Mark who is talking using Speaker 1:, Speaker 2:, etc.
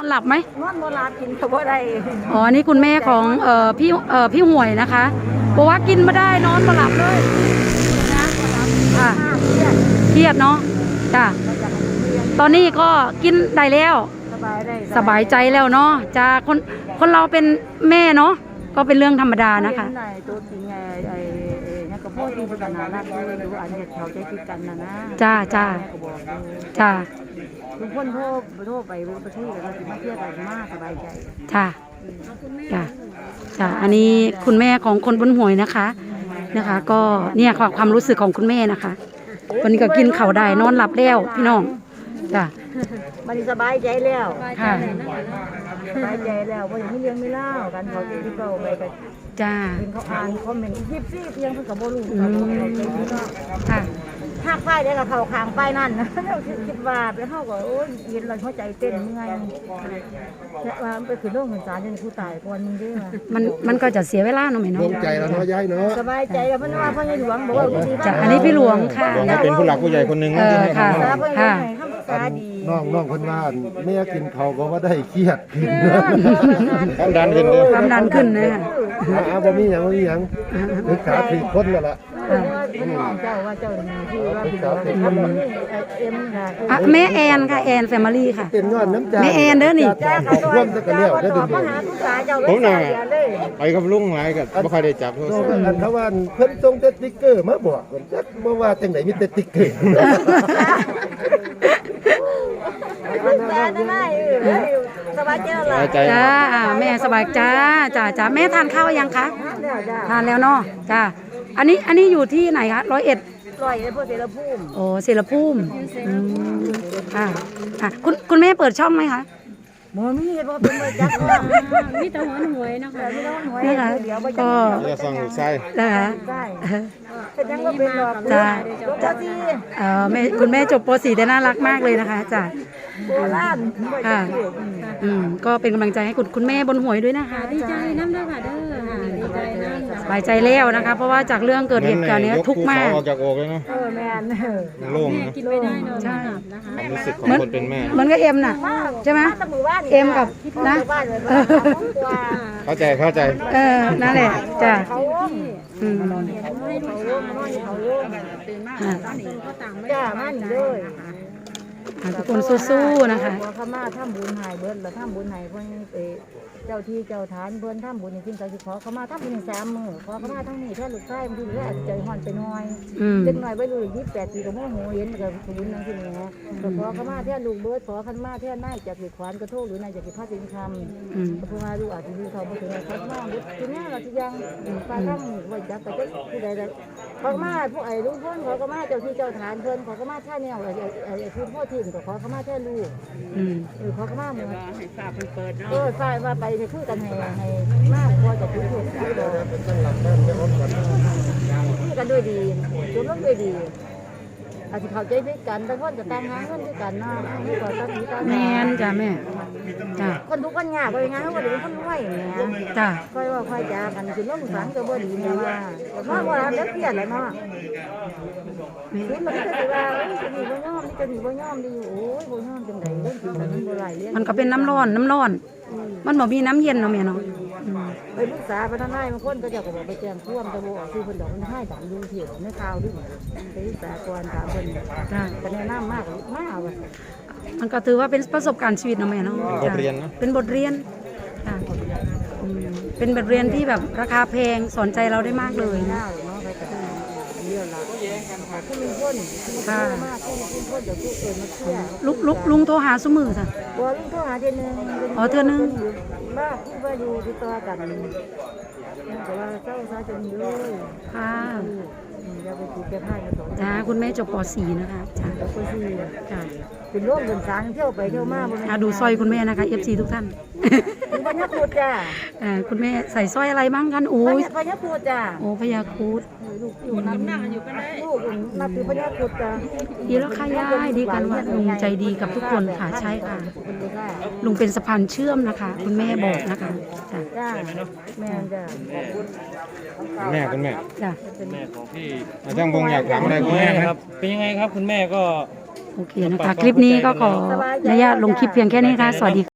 Speaker 1: หลับไหม
Speaker 2: นอนโบราณกินเขาบ่ได้
Speaker 1: อ๋อนี่คุณแม่ของพี่ห่วยนะคะบอกว่ากินไม่ได้นอนไม่หลับเลยนะค่ะเครียดเนาะจ้ะตอนนี้ก็กินได้แล้วสบายใจแล้วเนาะจะคนเราเป็นแม่เนาะก็เป็นเรื่องธรรมดานะคะ
Speaker 2: ตัวจริงไอ้นี่ก็พ่อที่เป็นกันนะดูอันเด็กเขาใจคิดกันนะ
Speaker 1: จ้าจ้า
Speaker 2: ทุกคนโทรไปประเทศเราสิมาเที่ยวกันมากสบายใจ
Speaker 1: จ้าจ้าอันนี้คุณแม่ของคนบนหวยนะคะก็เนี่ยความรู้สึกของคุณแม่นะคะวันนี้ก็กินข้าวได้นอนหลับแล้วพี่น้องจ้า
Speaker 2: มันสบายใจแล้ว
Speaker 1: ค่ะ
Speaker 2: สบายใจแล้วเพราะอย่างไม่เลี้ยงไม่เล่ากันเขาจะที่เขาไปกัน
Speaker 1: จ้า
Speaker 2: เขาอ่านคอมเมนต์ยิบซี่เพียงเพื่อกับโบลู
Speaker 1: ค่ะ
Speaker 2: หักไฟได้กับเขาขางไฟนั่นคิดว่าไปเข้ากับโอ้ยเย็นเราหัวใจเต้นเมื่อยว่าไปขึ้นโรงพยาบาลจนผู้ตายก่อนมึงได้ไหม
Speaker 1: มันก็จะเสียเวลาเนาะไหมเนาะ
Speaker 3: ลงใจแล้วเนาะย้ายเนาะ
Speaker 2: สบายใจแล้วเพราะว่าพ่อใหญ่หลวงบอกว่า
Speaker 1: จ้ะอันนี้พี่หลวงค่ะ
Speaker 3: เป็นผู้หลักผู้ใหญ่คนหนึ่งที่ให้
Speaker 1: ค่ะ
Speaker 3: น้องคนว่าแม่กินเขาก็ว่าได้เครียดความดัน
Speaker 1: ขึ้นนะ
Speaker 3: บ่มีอย่างนึกขาถีบคนแล้วล่ะ
Speaker 2: เจ้าว่าเจ้าที่ว่าพี่น้
Speaker 1: องแม่แอนค่ะแอนแฟมิลี่ค่ะ
Speaker 3: เป็นยอดน้ำใจ
Speaker 1: แม่แอนเด้อนี่
Speaker 3: ร่วมกันแล้วได้ดู
Speaker 2: ผมน่ะ
Speaker 3: ไปกับลุงหลายกันบ่ค่อยได้จับโทรศัพท์เขาว่าเพิ่นส่งสติ๊กเกอร์มาบอกจักบ่ว่าจังได๋มีแต่สติ๊กเกอร์
Speaker 2: สบายใจ
Speaker 1: จ้าแม่สบายจ้าแม่ทานข้าวยังคะทานแล้วเนาะจ้าอันนี้อยู่ที่ไหนคะ101
Speaker 2: พวกเสรภูมิ
Speaker 1: โอ้เสรภูมิค่ะคุณแม่เปิดช่องไหมคะ
Speaker 2: หมอมีเพราะเป็นบริจัก
Speaker 1: มีแต่หวยนะคะ
Speaker 2: นะคะ
Speaker 1: ก็
Speaker 3: จะฟังใช่
Speaker 1: นะคะ
Speaker 2: เป็นยังก็เป็นหรอก
Speaker 1: จ้าคุณแม่จบป .4 แต่น่ารักมากเลยนะคะจ้า
Speaker 2: โบราณ
Speaker 1: ค่ะก็เป็นกำลังใจให้คุณแม่บนหวยด้วยนะคะ
Speaker 2: ดีใจน้ำด้วยค่ะเด้อดีใจน้ำ
Speaker 1: สบายใจแล้วนะคะเพราะว่าจากเรื่องเกิดเหตุการณ์นี้ทุกข์มาก
Speaker 3: ออกจากอกเลยเนาะ
Speaker 2: แม่
Speaker 3: โล่ง
Speaker 2: กินไม่ได้นอนหลับนะคะ
Speaker 3: ความรู้สึกของคนเป็นแม่
Speaker 1: เหมือนกับเอ็มน่ะใช่ไหมเอ็มกับนะ
Speaker 3: เข้าใจ
Speaker 1: นั่นแหละจ้ะ
Speaker 2: จ้ามันเลย
Speaker 1: ทุกคนสู้ๆนะคะ
Speaker 2: ขม่าทำบุญหายเบิร์ดแล้วทำบุญหายเพื่อนเจ้าที่เจ้าฐานเพื่อนทำบุญจริงๆก็คือขอขม่าทำบุญ3 มื้อขอขม่าทั้งนี้แค่ลูกชายบางทีเหลืออาจจะใจห่อนไปหน่อยเล็กหน่อยไปดู28 ปีก็โมโหเห็นกับบุญนั่นคือไงก็ขอขม่าแท่ลูกเบิร์ดขอขม่าแท่นายจากเหตุขวานกระโทษหรือนายจากเหตุพลาดสินคำก็เพื่อมาดูอาจจะดูเขาไปถึงขอขม่าบุญที่นี่เราที่ยังปลาทั้งไว้จับไปเจ้าที่ใดขอขม่าพวกไอ้ลูกเพื่อนขอขม่าเจ้าที่เจ้าฐานเพื่อนขอขม่าแท่เนี่ยไอ้พ่อถิ่นก็ขอขม่าแท่ลูกขอขม่าเหมือน
Speaker 4: ให้ฝาเปิดเนาะ
Speaker 2: ฝ่ายว่าไปคุยกันให้มากพอจะคุยกันด้วยดีจนต้องด้วยดีอาจจะเข้าใจด้วยกันแต่คนจะแต่งงานกันด้วยกันนะไม่ก่อตั้งนี้ตั้ง
Speaker 1: แม่จ้ะแม่จ้ะ
Speaker 2: คนทุกคนยากเลยงานเขาเดี๋ยวคนรวยเนี่ย
Speaker 1: จ้ะ
Speaker 2: ค่อยว่าค่อยจากันจนต้องฝังก็บ่ดีเนี่ยว่าว่าเด็กเตี้ยเลยเนาะนี่มันก็จะว่าจะมีบ่ย่อมดีโอ้ยบ่ย่อมจังไดเรื่องมันบ่ไหลเลี้ยง
Speaker 1: มันก็เป็นน้ำร้อนมันบ่มีน้ำเย็นเนาะแม่เนาะ
Speaker 2: ไปปรึกษาพนักงานบางคนก็จะบอกไปแจ้งความตะโบออกคือคนดอกมันให้ดังดูเถียงในข่าวด้วยไปปรึกษาก่อนถามคนก็แนะนำมากว่ะ
Speaker 1: มันก็ถือว่าเป็นประสบการณ์ชีวิตเนาะแม่เนาะ
Speaker 3: บทเรียนเนาะ
Speaker 1: เป็นบทเรียนเป็นบทเรียนที่แบบราคาแพงสอนใจเราได้มากเลยนะลุงโทรหาสมือค่ะ
Speaker 2: ลุงโทรหาเทื่อนึง
Speaker 1: เทื่อนึง
Speaker 2: บ้าที่ว่าอยู่ติดต่อกันแต่ว่าเจ้าซาจะมีเลย
Speaker 1: ค่ะ
Speaker 2: จะไปติดแก้ผ้ากันต่อ
Speaker 1: จ้าคุณแม่จบป .4 นะคะจ้า
Speaker 2: ป .4 จ้าเป็นร่วมเป็นสารเที่ยวไปเที่ยวมา
Speaker 1: ดูสร้อยคุณแม่นะคะ FC ทุกท่าน
Speaker 2: พญาครุฑจ้า
Speaker 1: คุณแม่ใส่สร้อยอะไรบ้างกันโอ้ย
Speaker 2: พญาครุฑจ้า
Speaker 1: โอ้พญาครุฑ
Speaker 2: ลูกอยู่นั่งอยู่กันได้ลูกนับถือพญาครุฑจ้า
Speaker 1: ดีแล้วค่ะยายดีกันว่าลุงใจดีกับทุกคนค่ะใช่ค่ะลุงเป็นสะพานเชื่อมนะคะคุณแม่บอกนะคะ
Speaker 2: จ้าแม่จ้า
Speaker 3: คุณแม่
Speaker 1: จ้า
Speaker 4: แม่ของพี่
Speaker 3: ช่างพงอยากถามอะไรคุณแม่
Speaker 4: ครับเป็นยังไงครับคุณแม่ก็
Speaker 1: โอเคนะคะคลิปนี้ก็ขออนุญาตลงคลิปเพียงแค่นี้ค่ะสวัสดี